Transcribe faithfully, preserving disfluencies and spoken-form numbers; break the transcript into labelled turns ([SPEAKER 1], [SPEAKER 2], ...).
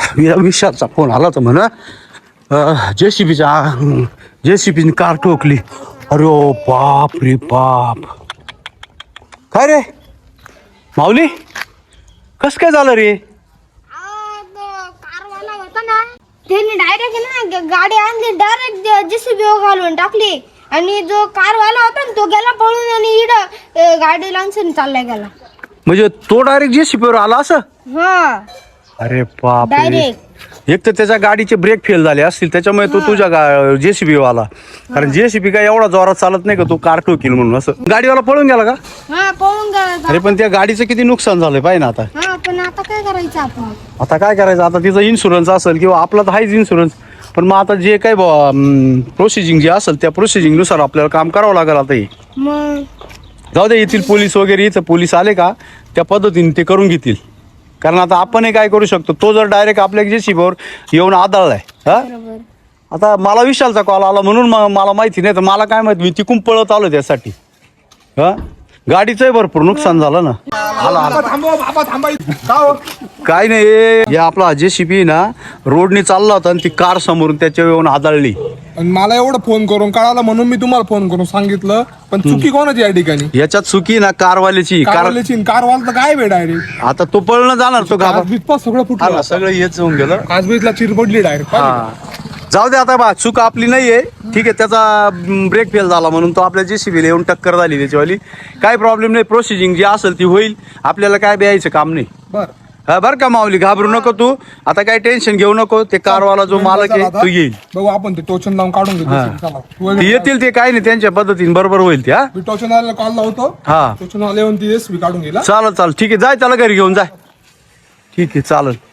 [SPEAKER 1] विशालचा phone आला तर म्हणा जेसीबीचा जेसीबीने कार ठोकली. अरे ओ बाप रे बाप. काय रे माऊली कस काय झालं रे?
[SPEAKER 2] कारवाला होता ना त्यांनी डायरेक्ट ना गाडी आणली डायरेक्ट जेसीबी घालून टाकली आणि जो कारवाला होता ना तो गेला पळून आणि इड गाडी लावून चालला गेला.
[SPEAKER 1] म्हणजे तो डायरेक्ट जेसीबीवर आला असं?
[SPEAKER 2] हा
[SPEAKER 1] अरे बाप रे.
[SPEAKER 2] डायरेक्ट
[SPEAKER 1] एक तर त्याच्या गाडीचे ब्रेक फेल झाले असतील त्याच्यामुळे तो तुझ्या जेसीबी आला. कारण जेसीबी काय एवढा जोरात चालत नाही का तू कार ठोकील म्हणून. असं गाडीवाला पळून गेला का?
[SPEAKER 2] हा पळून गेला.
[SPEAKER 1] अरे पण त्या गाडीचं किती नुकसान झालंय पाहिजे ना आता.
[SPEAKER 2] हा पण आता काय करायचं आपण?
[SPEAKER 1] आता काय करायचं आता तिचा इन्शुरन्स असेल किंवा आपला तर आहेच इन्शुरन्स. पण मग आता जे काय प्रोसिजिंग जे असेल त्या प्रोसिजिंग नुसार आपल्याला काम करावं लागेल आता. हे
[SPEAKER 2] मग
[SPEAKER 1] जाऊ दे येथील पोलीस वगैरे इथं पोलीस आले का त्या पद्धतीने ते करून घेतील. कारण आता आपण काय करू शकतो तो जर डायरेक्ट आपल्या जेसीबीवर येऊन आदळलाय. हा आता मला विशालचा कॉल आला म्हणून मला माहिती नाही तर मला काय माहिती मी तिकून पळत आलो त्यासाठी. हा गाडीचंही भरपूर नुकसान झालं ना. काय नाही हे आपला जेसीबी ना रोडने चालला होता आणि ती कार समोरून त्याच्या येऊन आदळली.
[SPEAKER 3] मला एवढं फोन करून कळालं म्हणून मी तुम्हाला फोन करून सांगितलं. पण चुकी कोणाची या ठिकाणी?
[SPEAKER 1] याच्यात चुकी ना कारवाल्याची.
[SPEAKER 3] कारवाल्याची कारवाला तर काय वेळ डायरेक्ट.
[SPEAKER 1] आता तो पळणं जाणार तो घाबा
[SPEAKER 3] बीजपास सगळं फुटलं.
[SPEAKER 1] सगळं हेच होऊन गेलं.
[SPEAKER 3] आज बीजला चिर पडली डायरेक्ट.
[SPEAKER 1] जाऊ दे आता बा चूक आपली नाहीये. ठीक आहे त्याचा ब्रेक फेल झाला म्हणून तो आपल्या जेसीबीला येऊन टक्कर झाली त्याच्यावाली. काय प्रॉब्लेम नाही. प्रोसिजिंग जी असेल ती होईल. आपल्याला काय द्यायचं काम नाही.
[SPEAKER 3] बर
[SPEAKER 1] हा बरं का माऊली घाबरू नको तू. आता काय टेन्शन घेऊ नको. ते कारवाला जो मालक आहे तो येईल.
[SPEAKER 3] बघू आपण ते टोचन लावून काढून घेऊ.
[SPEAKER 1] ते येतील ते काय नाही त्यांच्या पद्धतीने बरोबर होईल ते. हा
[SPEAKER 3] मी टोचन वाल्याला कॉल लावतो.
[SPEAKER 1] हा
[SPEAKER 3] टोचन वाले येऊन ती एसबी काढून गेला.
[SPEAKER 1] चालेल चालेल ठीक आहे जाय त्याला घरी घेऊन जाय. ठीक आहे चालेल.